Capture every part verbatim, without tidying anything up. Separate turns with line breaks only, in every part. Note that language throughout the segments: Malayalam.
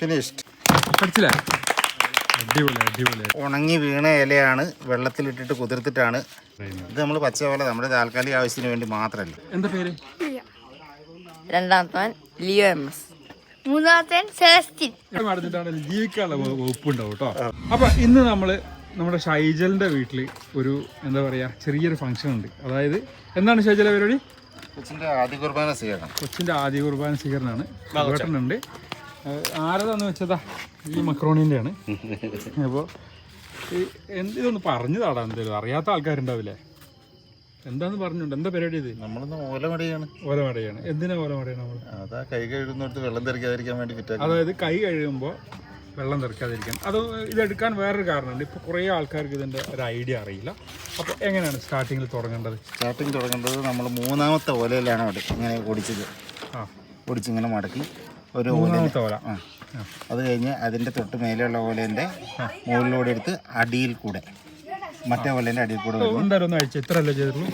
ഫിനിഷ്ഡ്.
പഠിച്ചില്ലേ? അടിപൊളി അടിപൊളി.
ഉണങ്ങി വീണ ഇലയാണ് വെള്ളത്തിലിട്ടിട്ട് കുതിർത്തിട്ടാണ് ഇത് നമ്മൾ പച്ച പോലെ നമ്മുടെ താൽക്കാലിക ആവശ്യത്തിന് വേണ്ടി മാത്രമല്ല.
എന്താ പേര്?
രണ്ടാമത്തവൻ ലിയോ എം എസ്, മൂന്നാമത്തവൻ സെലസ്റ്റിൻ.
നടന്നിട്ടാണ് ജീവിക്കാനുള്ള വകുപ്പുണ്ടാവും കേട്ടോ. അപ്പൊ ഇന്ന് നമ്മള് നമ്മുടെ ഷൈജലിന്റെ വീട്ടിൽ ഒരു എന്താ പറയാ ചെറിയൊരു ഫംഗ്ഷൻ ഉണ്ട്. അതായത് എന്താണ് ഷൈജല പരിപാടി?
കൊച്ചിന്റെ ആദ്യ കുർബാന സ്വീകരണം.
കൊച്ചിന്റെ ആദ്യ കുർബാന സ്വീകരണമാണ്. വേട്ടനുണ്ട്. ആരതാന്ന് വെച്ചതാ ഈ മക്രോണിന്റെ ആണ്. അപ്പോൾ ഇതൊന്ന് പറഞ്ഞു താടാ, എന്തായാലും അറിയാത്ത ആൾക്കാരുണ്ടാവില്ലേ? എന്താന്ന് പറഞ്ഞുണ്ട്. എന്താ പരിപാടി ഇത്?
നമ്മളൊന്ന് ഓലമടയാണ്.
ഓലമടയാണ്. എന്തിനാ ഓലമടയാണ് നമ്മൾ?
അതാ കൈ കഴുകുന്നിടത്ത് വെള്ളം തെറിക്കാതിരിക്കാൻ വേണ്ടി ഫിറ്റ്.
അതായത് കൈ കഴുകുമ്പോൾ വെള്ളം തെറിക്കാതിരിക്കാൻ. അത് ഇതെടുക്കാൻ വേറൊരു കാരണമുണ്ട്. ഇപ്പോൾ കുറേ ആൾക്കാർക്ക് ഇതിൻ്റെ ഒരു ഐഡിയ അറിയില്ല. അപ്പോൾ എങ്ങനെയാണ് സ്റ്റാർട്ടിങ്ങിൽ തുടങ്ങേണ്ടത്?
സ്റ്റാർട്ടിങ് തുടങ്ങേണ്ടത് നമ്മൾ മൂന്നാമത്തെ ഓലയിലാണ് ഇങ്ങനെ ഓടിച്ചത്.
ആ
ഓടിച്ചിങ്ങനെ മടക്കി ഒരു
മൂന്നാമത്തെ ഓല.
ആ അത് കഴിഞ്ഞ് അതിൻ്റെ തൊട്ട് മേലെയുള്ള ഓലേൻ്റെ മുകളിലൂടെ എടുത്ത് അടിയിൽ കൂടെ മറ്റേ ഓലേൻ്റെ അടിയിൽ കൂടെ
എന്തായാലും ഒന്ന് അഴിച്ചു. ഇത്ര അല്ലേ ചെയ്തിട്ടുള്ളൂ?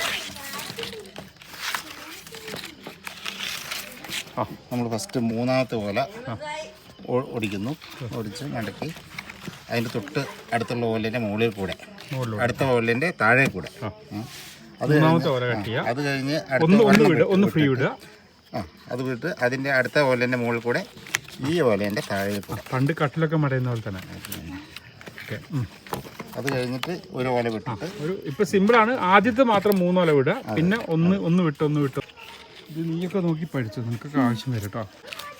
ആ നമ്മൾ ഫസ്റ്റ് മൂന്നാമത്തെ ഓല ഓടിക്കുന്നു. ഓടിച്ച് മടക്കി അതിൻ്റെ തൊട്ട് അടുത്തുള്ള ഓലേൻ്റെ മുകളിൽ കൂടെ അടുത്ത ഓലേൻ്റെ താഴെ കൂടെ അത് അത് കഴിഞ്ഞ്
ഒന്ന് ഫ്രീ വിടുക.
ആ അത് വിട്ട് അതിൻ്റെ അടുത്ത ഓലേൻ്റെ മുകളിൽ കൂടെ ഈ ഓലേൻ്റെ താഴെ കൂടെ
പണ്ട് കട്ടിലൊക്കെ മടയുന്ന പോലെ തന്നെ.
അത് കഴിഞ്ഞിട്ട് ഒരു ഓല വിട്ടിട്ട്
ഒരു ഇപ്പം സിമ്പിളാണ്. ആദ്യത്തെ മാത്രം മൂന്നോല വിടുക, പിന്നെ ഒന്ന് ഒന്ന് വിട്ട് ഒന്ന് വിട്ട്. ഇത് നീയൊക്കെ നോക്കി പഠിച്ചു, നിനക്കൊക്കെ ആവശ്യം വരും കേട്ടോ.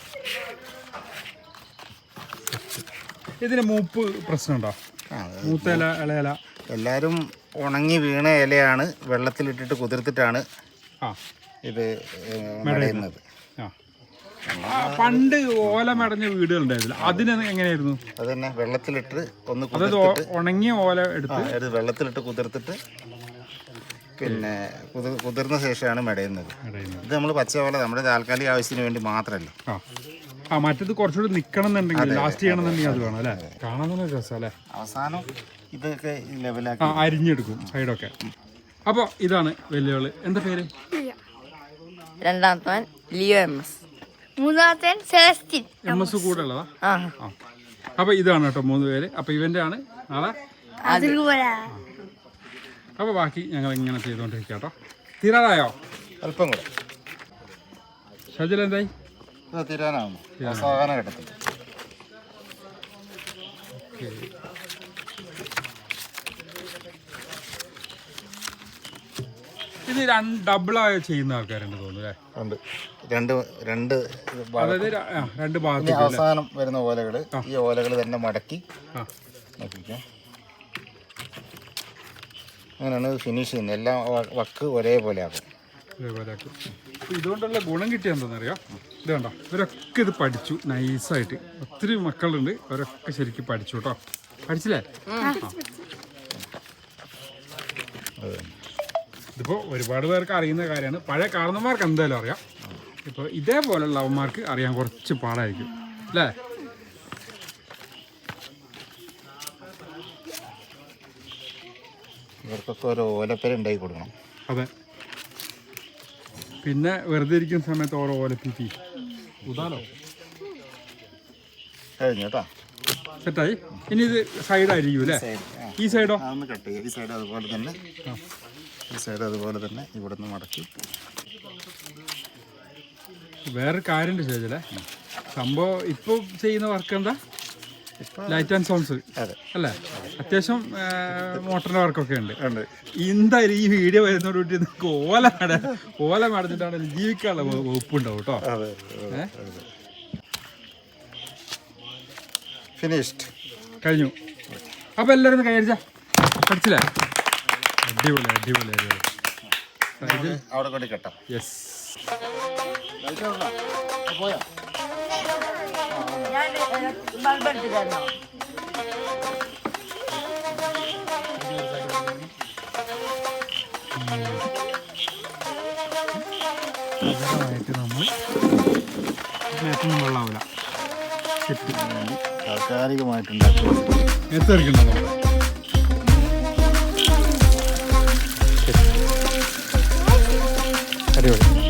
ഇതിന് മൂപ്പ് പ്രശ്നമുണ്ടോ? മൂത്ത ഇല ഇളയില
എല്ലാവരും ഉണങ്ങി വീണ ഇലയാണ് വെള്ളത്തിലിട്ടിട്ട് കുതിർത്തിട്ടാണ്
ആ
ഇത് മെടയുന്നത്.
പണ്ട് ഓല മെടഞ്ഞ വീടുകളുണ്ടായിരുന്നില്ല, അതിന് എങ്ങനെയായിരുന്നു?
അത് തന്നെ വെള്ളത്തിലിട്ട് ഒന്ന്
അതായത് ഉണങ്ങിയ ഓല എടുത്ത്
വെള്ളത്തിലിട്ട് കുതിർത്തിട്ട് പിന്നെ കുതിർ കുതിർന്ന ശേഷമാണ് മെടയുന്നത്. ഇത് നമ്മൾ പച്ച ഓല നമ്മുടെ താൽക്കാലിക ആവശ്യത്തിന് വേണ്ടി മാത്രമല്ല.
ആ ആ മറ്റത് കുറച്ചുകൂടി നിൽക്കണം എന്നുണ്ടെങ്കിൽ ലാസ്റ്റ് ചെയ്യണമെന്നുണ്ടെങ്കിൽ അത് വേണം അല്ലേ? കാണാൻ തന്നെ രസം അല്ലേ?
അവസാനം ഇതൊക്കെ ലെവലാക്കി
ആ അരിഞ്ഞെടുക്കും സൈഡൊക്കെ. അപ്പോൾ ഇതാണ് വലിയവള്. എന്താ പേര്?
രണ്ടാമത്തവൻ ലിയോ എം എസ്, മൂന്നാമത്തവൻ സെലസ്റ്റിൻ.
എം എസ് കൂടെ ഉള്ളതാ?
ആ
ആ അപ്പോൾ ഇതാണ് കേട്ടോ മൂന്ന് പേര്. അപ്പോൾ ഇവൻ്റെ ആണ് നാളെ. അപ്പോൾ ബാക്കി ഞങ്ങൾ ഇങ്ങനെ ചെയ്തുകൊണ്ടിരിക്കുക കേട്ടോ. തീരാറായോ?
അല്പം കൂടെ.
ഷജിൽ എന്തായി?
തീരാനാവുന്നു അവസാന ഘട്ടത്തിൽ.
ഇത് രണ്ട് ഡബിളായി ചെയ്യുന്ന ആൾക്കാരുണ്ട് തോന്നുന്നു അല്ലേ?
ഉണ്ട്. രണ്ട് രണ്ട്
അതായത് രണ്ട് ഭാഗത്ത്
അവസാനം വരുന്ന ഓലകൾ ഈ ഓലകൾ തന്നെ മടക്കി നോക്കിക്കാം. അങ്ങനെയാണ് ഫിനിഷ് ചെയ്യുന്നത്. എല്ലാം വക്ക് ഒരേപോലെ ആകും.
ഒരേപോലെ ആക്കും. ഇതുകൊണ്ടുള്ള ഗുണം കിട്ടിയ എന്താണെന്നറിയാം? ഇത് കണ്ടോ, ഇവരൊക്കെ ഇത് പഠിച്ചു നൈസായിട്ട്. ഒത്തിരി മക്കളുണ്ട്, അവരൊക്കെ ശരിക്കും പഠിച്ചു കേട്ടോ. പഠിച്ചില്ലേ? ഇതിപ്പോൾ ഒരുപാട് പേർക്ക് അറിയുന്ന കാര്യമാണ്. പഴയ കാരണന്മാർക്ക് എന്തായാലും അറിയാം. ഇപ്പോൾ ഇതേപോലെയുള്ള അവന്മാർക്ക് അറിയാൻ കുറച്ച് പാടായിരിക്കും അല്ലേ?
ഇവർക്കൊക്കെ ഒരു ഓലപ്പേര ഉണ്ടാക്കി കൊടുക്കണം.
അതെ. പിന്നെ വെറുതെ ഇരിക്കുന്ന സമയത്ത് ഓരോ ഓലപ്പീറ്റി ഉദാലോ
കഴിഞ്ഞു കേട്ടോ.
സെറ്റായി. ഇനി ഇത് സൈഡായിരിക്കും അല്ലേ? ഈ സൈഡോ?
അതൊന്ന് കട്ട് ചെയ്യുക. ഈ സൈഡ് അതുപോലെ തന്നെ ഈ സൈഡ് അതുപോലെ തന്നെ ഇവിടെ നിന്ന് മടക്കി.
വേറൊരു കാര്യമുണ്ട് ചോദിച്ചല്ലേ, സംഭവം ഇപ്പോൾ ചെയ്യുന്ന വർക്ക് എന്താ? ലൈറ്റ് ആൻഡ് സൗണ്ട്സ് അല്ലേ? അത്യാവശ്യം മോട്ടറിൻ്റെ വർക്കൊക്കെ ഉണ്ട്. എന്തായാലും ഈ വീഡിയോ വരുന്നതോടുകൂടി നിങ്ങൾക്ക് ഓല മട ഓല മടഞ്ഞിട്ടാണ് ജീവിക്കാനുള്ള വകുപ്പുണ്ടാവും കേട്ടോ.
ഫിനിഷ്ഡ്.
കഴിഞ്ഞു. അപ്പോൾ എല്ലാവരും കൈയടിച്ച പഠിച്ചില്ലേ? അടിപൊളി അടിപൊളി അടിപൊളി.
അവിടെ കൊണ്ട് കെട്ടാം.
യെസ്.
പോയാ
ബൾബെടുത്ത് തരണോ?
ായിട്ട് നമ്മൾ മേത്തൊന്നും വെള്ളമാവില്ല.
താൽക്കാലികമായിട്ടുണ്ടാക്കും.
എത്തിരിക്കണ്ടോ നമ്മൾ? അടിപൊളി.